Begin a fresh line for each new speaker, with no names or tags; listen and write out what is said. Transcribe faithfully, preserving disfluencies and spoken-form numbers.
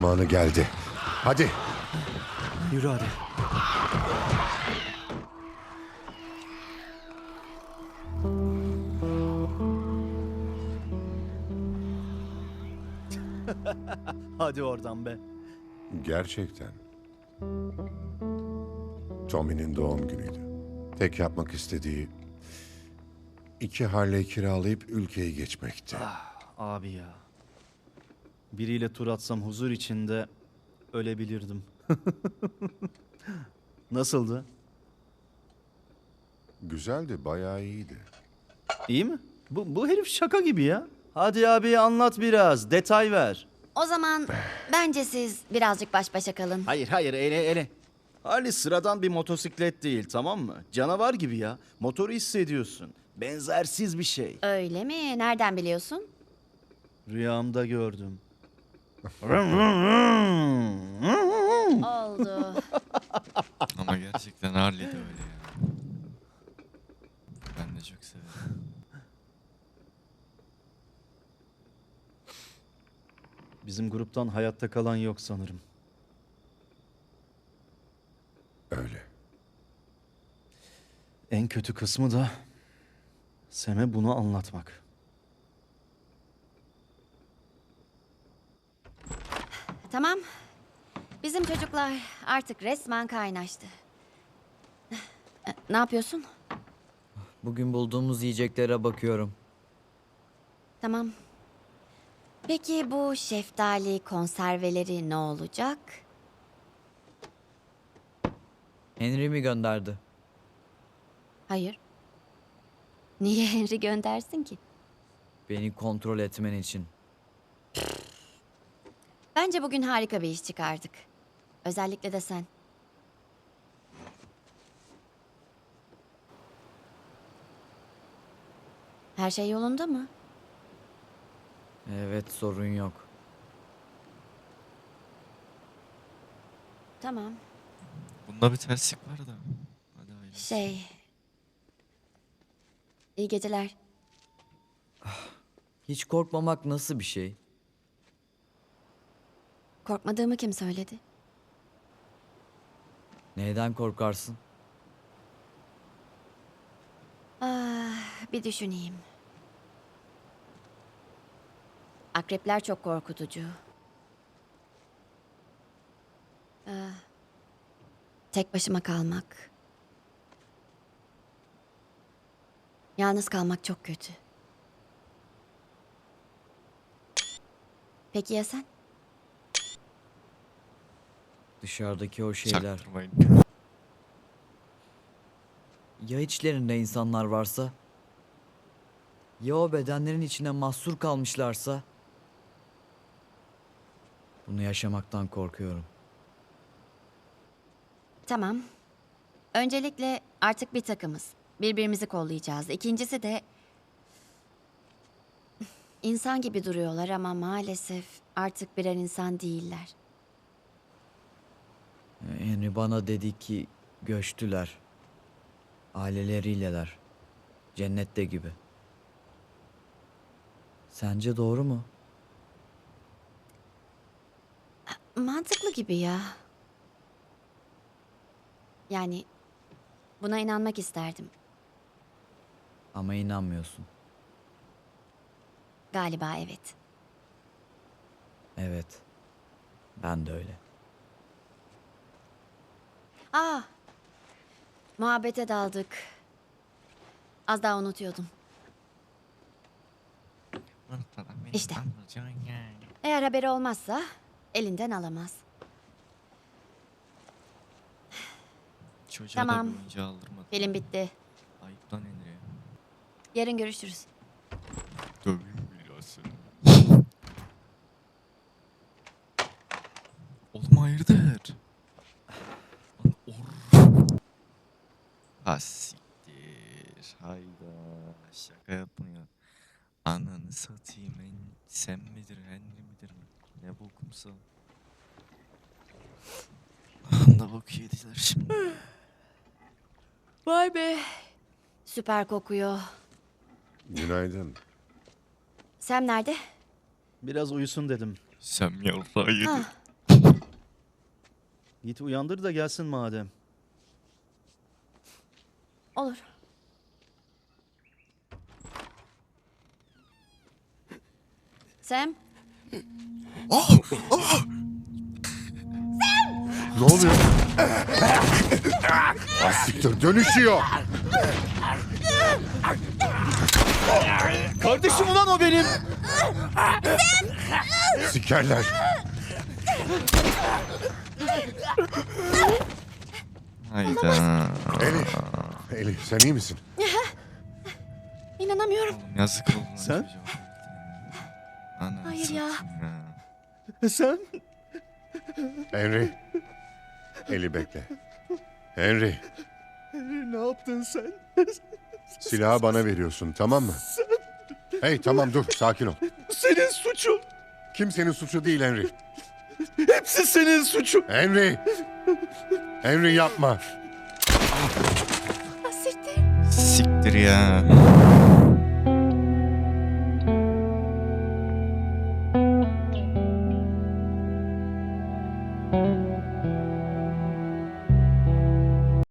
Zamanı geldi. Hadi.
Yürü hadi. Hadi oradan be.
Gerçekten. Tommy'nin doğum günüydü. Tek yapmak istediği iki Harley kiralayıp ülkeyi geçmekti.
Abi ya. Biriyle tur atsam huzur içinde ölebilirdim. Nasıldı?
Güzeldi, bayağı iyiydi.
İyi mi? Bu, bu herif şaka gibi ya. Hadi abi anlat biraz. Detay ver.
O zaman bence siz birazcık baş başa kalın.
Hayır hayır ele ele. Harley sıradan bir motosiklet değil, tamam mı? Canavar gibi ya. Motoru hissediyorsun. Benzersiz bir şey.
Öyle mi? Nereden biliyorsun?
Rüyamda gördüm.
Oldu.
Ama gerçekten Harley de öyle ya. Ben de çok severim.
Bizim gruptan hayatta kalan yok sanırım.
Öyle.
En kötü kısmı da Sem'e bunu anlatmak.
Tamam. Bizim çocuklar artık resmen kaynaştı. Ne yapıyorsun?
Bugün bulduğumuz yiyeceklere bakıyorum.
Tamam. Peki bu şeftali konserveleri ne olacak?
Henry mi gönderdi?
Hayır. Niye Henry göndersin ki?
Beni kontrol etmen için.
Bence bugün harika bir iş çıkardık. Özellikle de sen. Her şey yolunda mı?
Evet, sorun yok.
Tamam.
Bunda bir terslik var da. Hadi hayırlısı.
Şey... İyi geceler.
Hiç korkmamak nasıl bir şey?
Korkmadığımı kim söyledi?
Neyden korkarsın?
Ah, bir düşüneyim. Akrepler çok korkutucu. Ah, tek başıma kalmak. Yalnız kalmak çok kötü. Peki ya sen?
Dışarıdaki o şeyler.
Çaktırmayın.
Ya içlerinde insanlar varsa? Ya o bedenlerin içine mahsur kalmışlarsa? Bunu yaşamaktan korkuyorum.
Tamam. Öncelikle artık bir takımız. Birbirimizi kollayacağız. İkincisi de... İnsan gibi duruyorlar ama maalesef artık birer insan değiller.
Henry bana dedi ki göçtüler. Aileleriyleler. Cennette gibi. Sence doğru mu?
Mantıklı gibi ya. Yani buna inanmak isterdim.
Ama inanmıyorsun.
Galiba evet.
Evet. Ben de öyle.
Aa, muhabbete daldık. Az daha unutuyordum. İşte. Eğer haberi olmazsa elinden alamaz.
Çocuğa
Tamam.
da bir oyuncağı aldırmadı.
Film bitti.
Ayıp lan Henry'e.
Yarın görüşürüz.
Döveyim ya seni. Oğlum hayırdır? Lan or. Ha siktir. Hayda. Şaka yapma ya. Ananı satayım. En, sen midir Henry midir? Ne bokumsa. Ne bok yediler şimdi.
Vay be. Süper kokuyor.
Günaydın.
Sam nerede?
Biraz uyusun dedim.
Sen yarrağı yedin.
Ah,
Git uyandır da gelsin madem.
Olur. Sam,
Ne oluyor? Ah, siktir, dönüşüyor.
Kardeşim ulan o benim.
Sikerler.
Hayda.
Elif, Elif sen iyi misin?
inanamıyorum.
Yazık oldu. lan
Sen?
çocuğa. Ananı
Hayır ya.
satayım ya.
E sen?
Henry. Eli bekle. Henry,
Ne yaptın sen?
silahı bana veriyorsun, tamam mı? Hey, tamam dur, sakin ol.
Senin suçun.
Kimsenin suçu değil Henry.
Hepsi senin suçun.
Henry! Henry yapma.
Ah, siktir.
Siktir ya.